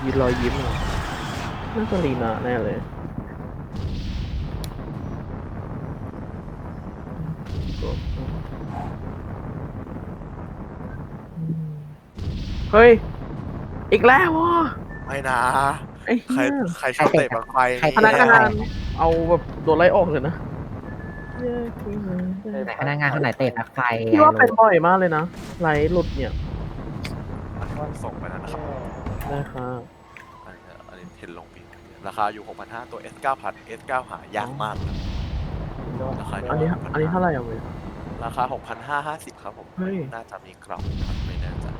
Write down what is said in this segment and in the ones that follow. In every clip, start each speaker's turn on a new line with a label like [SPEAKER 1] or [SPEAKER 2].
[SPEAKER 1] ยืนรอยยิ้มอะน่าจะลีนาแน่เลยเฮ้ยอีกแล้ววะ
[SPEAKER 2] ไม่นะ
[SPEAKER 1] ไอ้
[SPEAKER 2] ใคร
[SPEAKER 1] เหี้ย
[SPEAKER 2] ใครชอบเตะบังไฟ
[SPEAKER 3] ใคร
[SPEAKER 1] พนัก
[SPEAKER 3] เตะ
[SPEAKER 1] งานเอาแบบโดนไล่ออกเลยนะ
[SPEAKER 3] แต่พนักงานคนไหนเตะปลั๊กไฟ
[SPEAKER 1] พี่ว่าเป็นบ่อยมากเลยนะไลฟ์หลุดเนี่ย
[SPEAKER 2] อันนี้ผมส่งไปแล้วนะครับ
[SPEAKER 1] ได้ค่ะ
[SPEAKER 2] อันนี้เทรนลงปีราคาอยู่ 6,500 ตัว S9 พัด S9 หายากมากครับราคา
[SPEAKER 1] อันนี้เท่าไหร่อ่ะเว้ย
[SPEAKER 2] ราคา 6,550 ครับผม
[SPEAKER 1] เฮ้ย
[SPEAKER 2] น่าจะมีกล่องครับไม่แน่ใจ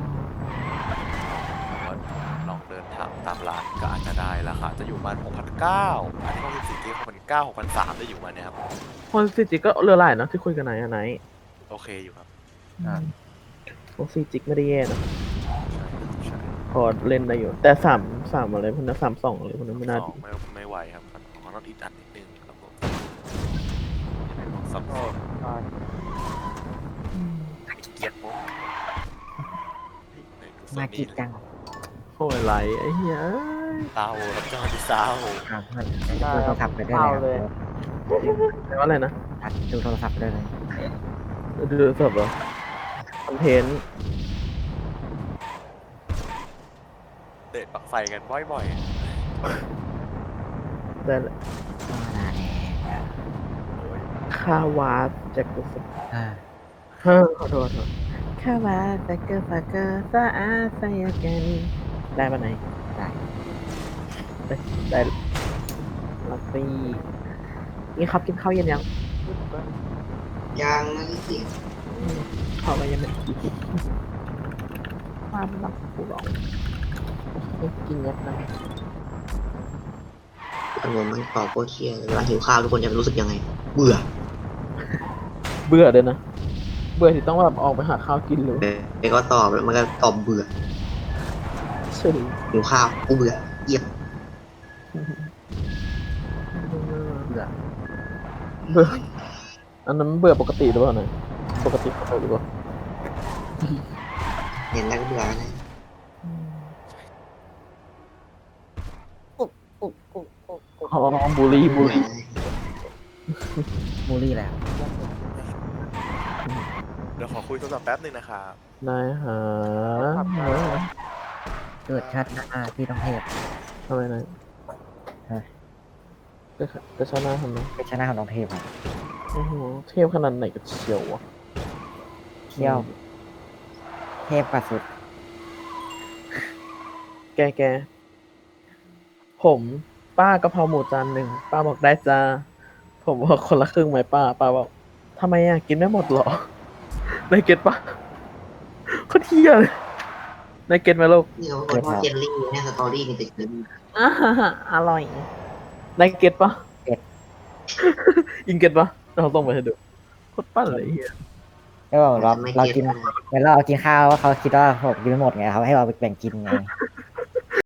[SPEAKER 2] ก็ลองเดินถามตามร้านก็อาจจะได้ราคาจะอยู่ประมาณ 6,900 อันนี้ของสิทธิ6,900 6,300ได้อยู่มาเนี่ยครับ
[SPEAKER 1] คนซีจิกก็เรือหลายนะที่คุยกันไหนอะไหน
[SPEAKER 2] โอเคอยู่ครับ
[SPEAKER 1] คนซีจิกไม่ได้แย่นะ
[SPEAKER 2] ใช่ครับใช่
[SPEAKER 1] พอเล่นได้อยู่ แต่สามอะไรพวกนั้น32อะไรพวกนั้นไม่น่า
[SPEAKER 2] สอ
[SPEAKER 1] ดี
[SPEAKER 2] งไม่ไหวครับของเราอีกอันนิดนึงครับผมยังเป็นของซับซ้อนเกียดโม
[SPEAKER 3] น่ากินจัง
[SPEAKER 1] โอ้ยไหลไอ้เหี้ย
[SPEAKER 2] เศร้าครับจังหวะที่เศร้า
[SPEAKER 3] ครับดูโทรศัพท์ไปด้วยเลย
[SPEAKER 1] แปลว่าอะไรนะ
[SPEAKER 3] ดูโทรศัพท์ไปด้วยเลย
[SPEAKER 1] ดูสดเหรอคอนเทนต์
[SPEAKER 2] เตะปักไฟกันบ่อย
[SPEAKER 1] ได้แหละ
[SPEAKER 3] ก็มาแน่
[SPEAKER 1] คาวาสแจ็คเกอร์
[SPEAKER 3] อ่า
[SPEAKER 1] ขอโทษคาวาสแจ็คเกอร์ฟาเกอร์ซาอาไซยาแกนได้ปะไหน
[SPEAKER 3] ได้
[SPEAKER 1] ได้ลักซี่นี่ครับกินข้าวเย็นยัง
[SPEAKER 4] ยังไม่ได้กิน
[SPEAKER 1] ข้าวอะไรยังไม่ได้กินความรักกูร้องไม่กินยัดนะ
[SPEAKER 4] อารมณ์มันตอบโคตรเครียดเลยเวลาหิวข้าวทุกคนจะรู้สึกยังไง เบื่อ
[SPEAKER 1] เบื่อเลยนะ เบื่อที่ต้องแบบออกไปหาข้าวกินเลย
[SPEAKER 4] ไปก็ตอบแล้วมันก็ตอบเบื่อ
[SPEAKER 1] เฉย
[SPEAKER 4] หิวข้าวกูเบื่อเยี่ยม
[SPEAKER 3] เบื่อ
[SPEAKER 1] เบื่ออันนั้นเบื่อปกติหรือเปล่าเนี่ยปกติหรือเปล่า
[SPEAKER 4] เห็นแล้วก็เบื่อนะ
[SPEAKER 1] อ๋อบุรี
[SPEAKER 4] เบื่อนะ
[SPEAKER 3] มูลี่แหละ
[SPEAKER 2] ๆเดี๋ยวขอคุยโทรศัพท์แป๊บนึงนะครับ
[SPEAKER 1] นายหา
[SPEAKER 3] เกิดชาติหน้าที่ต้องเทพ
[SPEAKER 1] ทำไมนายจะชนะทำไม
[SPEAKER 3] เป็นชาติหน้าของต้องเทพครับ
[SPEAKER 1] โอ้โหเทพขนาดไหนกับเชียววะ
[SPEAKER 3] เที่ยวเทพกว่าสุด
[SPEAKER 1] แกผมป้ากะเพราหมูจานหนึ่งป้าบอกได้จ้าผมบอกคนละครึ่งไหมป้าบอกทำไมอ่ะกินไม่หมดหรอ นายเก็ตปะโคตรเที่ยเลยนายเก็ตไหมลูก
[SPEAKER 4] นี่เขาบอกว่าเจลลี่เนี่ยสตอรี่นี่ติดเลย
[SPEAKER 1] อ่าอร่อยนายเก็ตปะ
[SPEAKER 3] เก็ต
[SPEAKER 1] อิงเก็ตปะเราต้องไปให้ดูโคตรปั้นเลยไอ้เฮีย
[SPEAKER 3] แล้วเรากินเวลาเรากินข้าวว่าเขาคิดว่าผมกินไม่หมดไงเขาให้เราไปแบ่งกินไง